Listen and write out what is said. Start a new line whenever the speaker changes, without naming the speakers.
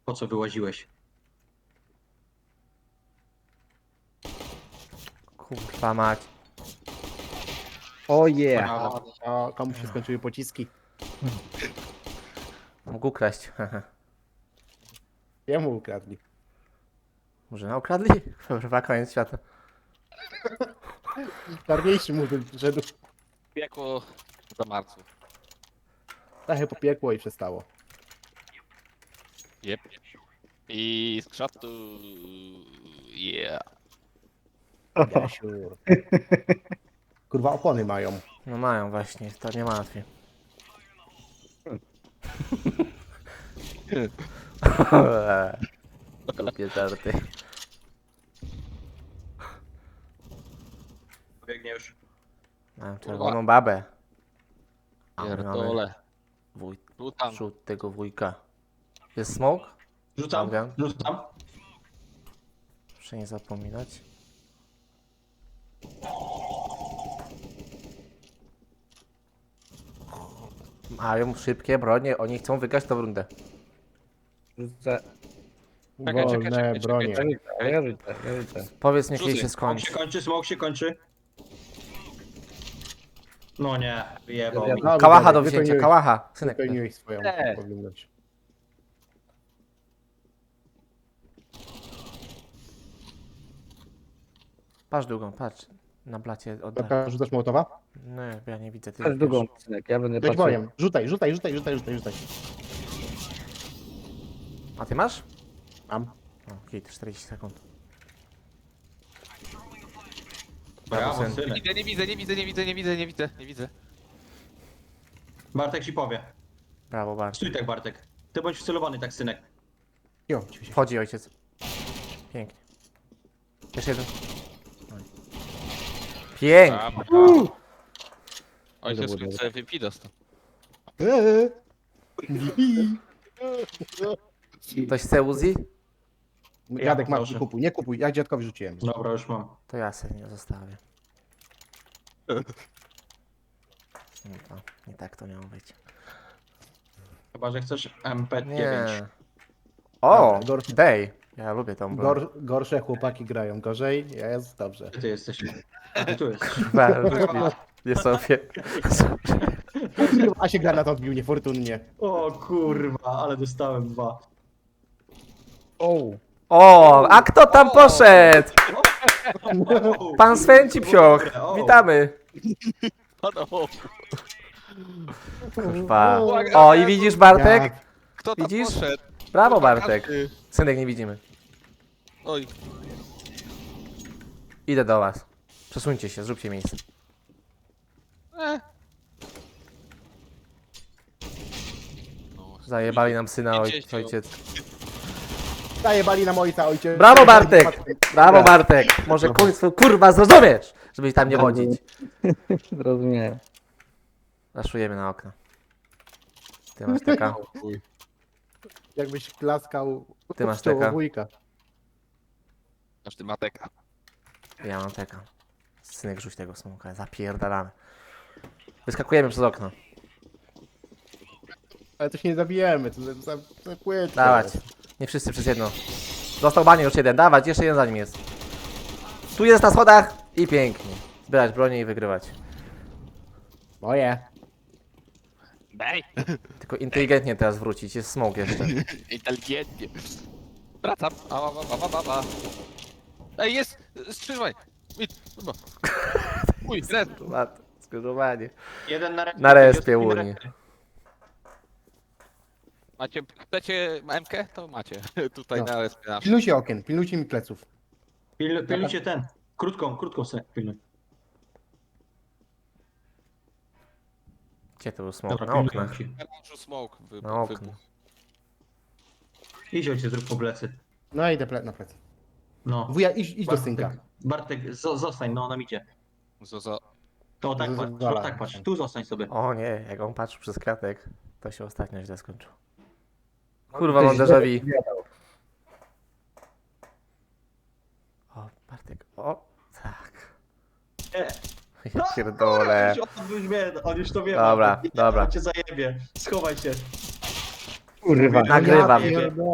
Po co wyłaziłeś?
Kurwa mać.
O yeah.
Brawo.
O, komuś się skończyły pociski.
Mógł ukraść.
Jemu ukradli.
Może ukradli? Kurwa, koniec świata.
Czarniejszy mu wyszedł.
Piekło za marców.
Trochę popiekło i przestało.
Jep. I z krzatu... Yeah.
Jasiur. Kurwa, opony mają.
No mają właśnie, to nie martwię. Głupie żarty.
Biegnie już.
Mam czerwoną babę. A my mamy
Pierdole. Rzucam.
przód tego wujka. Jest smoke?
Rzucam,
Dobra.
rzucam.
Proszę nie zapominać. Mają szybkie bronie, oni chcą wygrać tą rundę.
Rzucę.
Czekaj,
Wolne
czekaj,
bronie.
czekaj.
Powiedz niech jej
Rzucaj.
się
Smok się
skończy.
kończy, smok się kończy. No nie, wyjebał mi.
Dobra,
Kałacha do
wypełniłeś-
wzięcia, kałacha. Synek.
Wypełniłeś swoją
Nie.
powinność.
Patrz długą, patrz. Na blacie oddaj.
Dobra, rzucasz Mołotowa?
Nie, ja nie widzę. Ty
Też
wiesz.
długą, synek, ja będę
Być
patrzył.
bojem. Rzucaj, rzucaj, rzucaj, rzucaj, rzucaj, rzucaj.
A ty masz?
Mam.
O, hit, 40 sekund.
Brawo,
syn.
synek.
Nie widzę, nie widzę, nie widzę, nie widzę, nie widzę, nie widzę.
Bartek ci powie.
Brawo, bardzo.
Stój tak, Bartek. Ty bądź wcelowany tak, synek.
Jo, ci się.
Wchodzi ojciec. Pięknie. Jeszcze jeden. Oj. Pięknie.
Ojciec
Dobra, dobra.
sobie wypi dostał.
Ktoś chce Uzi?
Jadek, masz,
proszę.
nie kupuj, nie kupuj. Ja dziadkowi rzuciłem.
Dobra, już mam.
To ja sobie nie zostawię. No to, nie tak to miało być.
Chyba, że chcesz MP9.
Nie. O!
Dobra, gor-
Day. Ja lubię tą broń.
Gorsze chłopaki grają gorzej, jest dobrze.
Gdzie ty jesteś? A ty tu jesteś.
Nie sobie.
A się granat odbił niefortunnie.
O kurwa, ale dostałem 2.
O!
O! A kto tam poszedł? Pan Svenci Psioch. Witamy. Kurwa. O, i widzisz Bartek?
Kto tam
Widzisz?
poszedł?
Brawo Bartek. Synek, nie widzimy.
Oj,
Idę do was. Przesuńcie się, zróbcie miejsce.
no.
Zajebali nam syna
Idziecie.
ojciec.
Zajebali nam ojca, ojciec.
Brawo Bartek! Brawo Bartek! Może końcu kurwa zrozumiesz, żeby tam nie wodzić.
Rozumiem.
Raszujemy na okno. Ty masz taka.
Jakbyś klaskał
Ty masz
w czoło
taka.
wujka.
Aż ty mateka.
Ja mam taka. Synek, rzuć tego smoka, zapierdalamy. Wyskakujemy przez okno.
Ale to się nie zabijemy, to za płytko.
Dawać. Nie wszyscy przez jedno. Został banie już jeden, dawać, jeszcze jeden za nim jest. Tu jest na schodach i pięknie. Zbierać bronię i wygrywać.
Moje.
Daj!
Tylko inteligentnie teraz wrócić, jest smok jeszcze.
Inteligentnie. Wracam. A. Ej, jest! Skrzyżowanie! Chyba. Uj, red.
Skrzyżowanie.
Jeden na respie.
Na respie
drugi na
Unii.
respie.
Macie, chcecie MK? To macie. Tutaj
No.
na respie nasz.
Pilnujcie okien, pilnujcie mi pleców.
Pilnujcie ten. Krótką synek, pilnuj.
Gdzie to był smok?
Dobra,
Na
pilnuję
oknach.
ci.
Melanżu smoke
Na oknach.
wybuchł.
Idź ojciec, zrób po plecy.
No idę na plec.
No.
Wuja, idź do synka.
Bartek, zostań, no nam idzie.
Zozo.
To tak
Z-
patrz,
zwala.
tak patrz. Tu zostań sobie.
O nie, jak on patrzył przez kratek, to się ostatnio źle skończył. Kurwa, mam déjà vu. O, Bartek, o, tak.
Nie.
Ja pierdolę.
On już to wie.
Dobra,
Bartek.
dobra.
On cię zajebie. Schowaj się.
Kurwa.
Nagrywam.
Ja pierdolę.